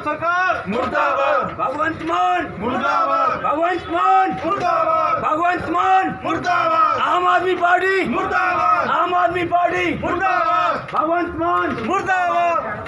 सरकार मुर्दाबाद, भगवंत मान मुर्दाबाद, भगवंत मान मुर्दाबाद, भगवंत मान मुर्दाबाद, आम आदमी पार्टी मुर्दाबाद, आम आदमी पार्टी मुर्दाबाद, भगवंत मान मुर्दाबाद।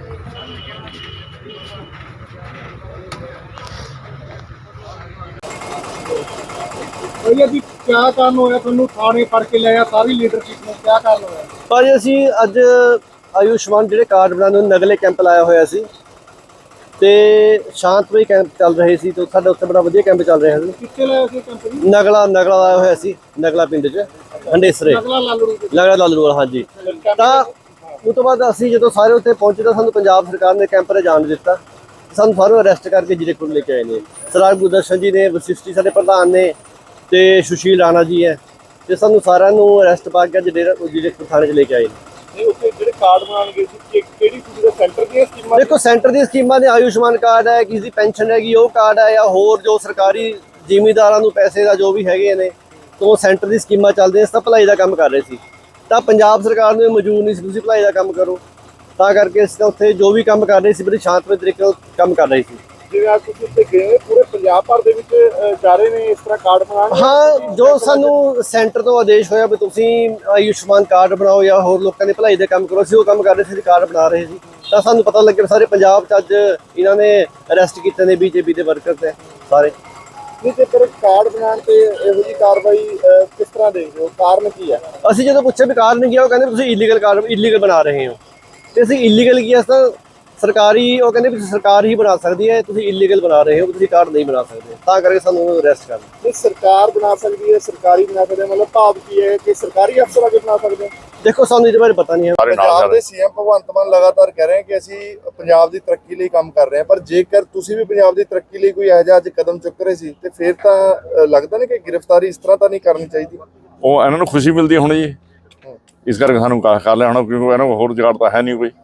भैया जी क्या कारण होया ਤੁਹਾਨੂੰ ਥਾਣੇ ਫੜ ਕੇ ਲਿਆ ਸਾਰੀ ਲੀਡਰਸ਼ਿਪ ਨੂੰ क्या कारण ਹੋਇਆ ਭਾਜੀ ਅਸੀਂ ਅੱਜ ਆਯੁਸ਼ਮਾਨ ਜਿਹੜੇ ਕਾਰਡ ਬਣਾਉਣ ਨੂੰ ਨਗਲੇ ਕੈਂਪ ਲਾਇਆ ਹੋਇਆ ਸੀ ਤੇ ਸ਼ਾਂਤਮਈ ਕੈਂਪ ਚੱਲ ਰਹੇ ਸੀ ਤੇ ਸਾਡੇ ਉੱਤੇ ਬੜਾ ਵਧੀਆ ਕੈਂਪ ਚੱਲ ਰਿਹਾ ਸੀ। ਕਿੱਥੇ ਲਾਇਆ ਸੀ ਕੰਪਨੀ ਨਗਲਾ ਲਾਇਆ ਹੋਇਆ ਸੀ ਨਗਲਾ ਪਿੰਡ 'ਚ ਹੰਡੇਸਰੇ ਅਗਲਾ ਲਾਲੂ ਨਗਲਾ ਲਾਲੂ ਵਾਲਾ ਹਾਂਜੀ। ਤਾਂ ਉਸ ਤੋਂ ਬਾਅਦ ਅਸੀਂ ਜਦੋਂ ਸਾਰੇ ਉੱਥੇ ਪਹੁੰਚੇ ਤਾਂ ਸਾਨੂੰ ਪੰਜਾਬ ਸਰਕਾਰ ਨੇ ਕੈਂਪ 'ਤੇ ਜਾਣ ਦਿੱਤਾ। ਸਾਨੂੰ ਸਾਰਿਆਂ ਨੂੰ ਅਰੈਸਟ ਕਰਕੇ ਜੀਰਕਪੁਰ ਲੈ ਕੇ ਆਏ ਨੇ। ਸਰਦਾਰ ਗੁਰਦਰਸ਼ਨ ਜੀ ਨੇ, ਵਸਿਸ਼ਠੀ ਸਾਡੇ ਪ੍ਰਧਾਨ ਨੇ ਤੇ ਸੁਸ਼ੀਲ ਰਾਣਾ ਜੀ ਹੈ ਤੇ ਸਾਨੂੰ ਸਾਰਿਆਂ ਨੂੰ ਅਰੈਸਟ ਪਾ ਕੇ ਜੀਰਕਪੁਰ ਥਾਣੇ 'ਚ ਲੈ ਕੇ ਆਏ ਨੇ। ਨਹੀਂ ਉੱਥੇ ਜਿਹੜੇ ਕਾਰਡ ਬਣਾਉਣ ਗਏ ਸੀ ਕਿਹੜੀ ਕੁੜੀ ਦਾ ਸੈਂਟਰ ਦੀਆਂ ਸਕੀਮਾਂ ਦੇਖੋ ਸੈਂਟਰ ਦੀ ਸਕੀਮਾਂ ਨੇ ਆਯੁਸ਼ਮਾਨ ਕਾਰਡ ਹੈ, ਕਿਸੇ ਦੀ ਪੈਨਸ਼ਨ ਹੈਗੀ ਉਹ ਕਾਰਡ ਹੈ ਜਾਂ ਹੋਰ ਜੋ ਸਰਕਾਰੀ ਜ਼ਿਮੀਂਦਾਰਾਂ ਨੂੰ ਪੈਸੇ ਦਾ ਜੋ ਵੀ ਹੈਗੇ ਨੇ ਤੋਂ ਸੈਂਟਰ ਦੀ ਸਕੀਮਾਂ ਚੱਲਦੀਆਂ। ਇਸ ਤਾਂ ਭਲਾਈ ਦਾ ਕੰਮ ਕਰ ਰਹੇ ਸੀ ਤਾਂ ਪੰਜਾਬ ਸਰਕਾਰ ਨੂੰ ਇਹ ਮਨਜ਼ੂਰ ਨਹੀਂ ਸੀ ਤੁਸੀਂ ਭਲਾਈ ਦਾ ਕੰਮ ਕਰੋ, ਤਾਂ ਕਰਕੇ ਅਸੀਂ ਤਾਂ ਉੱਥੇ ਜੋ ਵੀ ਕੰਮ ਕਰ ਰਹੇ ਸੀ ਬੜੀ ਸ਼ਾਂਤਮਈ ਤਰੀਕੇ ਨਾਲ ਕੰਮ ਕਰ ਰਹੇ ਸੀ। ਜਿਵੇਂ ਅੱਜ ਤੁਸੀਂ ਉੱਥੇ ਗਏ ਪੂਰੇ ਪੰਜਾਬ ਭਰ ਦੇ ਵਿੱਚ ਜਾ ਰਹੇ ਨੇ ਇਸ ਤਰ੍ਹਾਂ ਕਾਰਡ ਬਣਾਉਣ ਹਾਂ, ਜੋ ਸਾਨੂੰ ਸੈਂਟਰ ਤੋਂ ਆਦੇਸ਼ ਹੋਇਆ ਵੀ ਤੁਸੀਂ ਆਯੁਸ਼ਮਾਨ ਕਾਰਡ ਬਣਾਓ ਜਾਂ ਹੋਰ ਲੋਕਾਂ ਦੇ ਭਲਾਈ ਦੇ ਕੰਮ ਕਰੋ, ਅਸੀਂ ਉਹ ਕੰਮ ਕਰ ਰਹੇ ਸੀ, ਕਾਰਡ ਬਣਾ ਰਹੇ ਸੀ। ਤਾਂ ਸਾਨੂੰ ਪਤਾ ਲੱਗਿਆ ਸਾਰੇ ਪੰਜਾਬ 'ਚ ਅੱਜ ਇਹਨਾਂ ਨੇ ਅਰੈਸਟ ਕੀਤੇ ਨੇ ਬੀਜੇਪੀ ਦੇ ਵਰਕਰ ਤੇ ਸਾਰੇ। ਨਹੀਂ ਜੇਕਰ ਕਾਰਡ ਬਣਾਉਣ ਤੇ ਇਹੋ ਜਿਹੀ ਕਾਰਵਾਈ ਕਿਸ ਤਰ੍ਹਾਂ ਦੇਖਦੇ ਹੋ, ਕਾਰਨ ਕੀ ਹੈ? ਅਸੀਂ ਜਦੋਂ ਪੁੱਛਿਆ ਵੀ ਕਾਰਨ ਕੀ ਆ, ਉਹ ਕਹਿੰਦੇ ਤੁਸੀਂ ਇਲੀਗਲ ਬਣਾ ਰਹੇ ਹੋ ਤੇ ਅਸੀਂ ਇਲੀਗਲ ਕੀ ਤਾਂ ਸਰਕਾਰੀ ਉਹ ਕਹਿੰਦੇ ਵੀ ਸਰਕਾਰ ਹੀ ਬਣਾ ਸਕਦੀ ਹੈ, ਤੁਸੀਂ ਇਲੀਗਲ ਬਣਾ ਰਹੇ ਹੋ, ਤੁਸੀਂ ਕਾਰਡ ਨਹੀਂ ਬਣਾ ਸਕਦੇ, ਤਾਂ ਕਰਕੇ ਸਾਨੂੰ ਅਰੈਸਟ ਕਰ ਲਿਆ। ਨਹੀਂ ਸਰਕਾਰ ਬਣਾ ਸਕਦੀ ਹੈ, ਸਰਕਾਰੀ ਬਣਾ ਸਕਦੇ ਮਤਲਬ ਭਾਵ ਕੀ ਹੈ ਕਿ ਸਰਕਾਰੀ ਅਫਸਰ ਅੱਗੇ ਬਣਾ ਸਕਦੇ? ਦੇਖੋ ਸਾਨੂੰ ਇਹਦੇ ਬਾਰੇ ਪਤਾ ਨਹੀਂ ਹੈ। ਪੰਜਾਬ ਦੇ ਸੀਐਮ ਭਗਵੰਤ ਮਾਨ ਲਗਾਤਾਰ ਕਹਿ ਰਹੇ ਹਨ ਕਿ ਅਸੀਂ ਪੰਜਾਬ ਦੀ ਤਰੱਕੀ ਲਈ ਕੰਮ ਕਰ ਰਹੇ ਹਾਂ, ਪਰ ਜੇਕਰ ਤੁਸੀਂ ਵੀ ਪੰਜਾਬ ਦੀ ਤਰੱਕੀ ਲਈ ਕੋਈ ਇਹੋ ਜਿਹਾ ਅੱਜ ਕਦਮ ਚੁੱਕ ਰਹੇ ਸੀ ਤੇ ਫਿਰ ਤਾਂ ਲੱਗਦਾ ਨਹੀਂ ਕਿ ਗ੍ਰਿਫਤਾਰੀ ਇਸ ਤਰ੍ਹਾਂ ਤਾਂ ਨਹੀਂ ਕਰਨੀ ਚਾਹੀਦੀ। ਉਹ ਇਹਨਾਂ ਨੂੰ ਖੁਸ਼ੀ ਮਿਲਦੀ ਹੁਣ ਜੀ, ਇਸ ਕਰਕੇ ਸਾਨੂੰ ਕਰ ਲਿਆ ਹੁਣ, ਕਿਉਂਕਿ ਇਹਨਾਂ ਕੋਲ ਹੋਰ ਜੁਗਾੜ ਤਾਂ ਹੈ ਨਹੀਂ ਕੋਈ।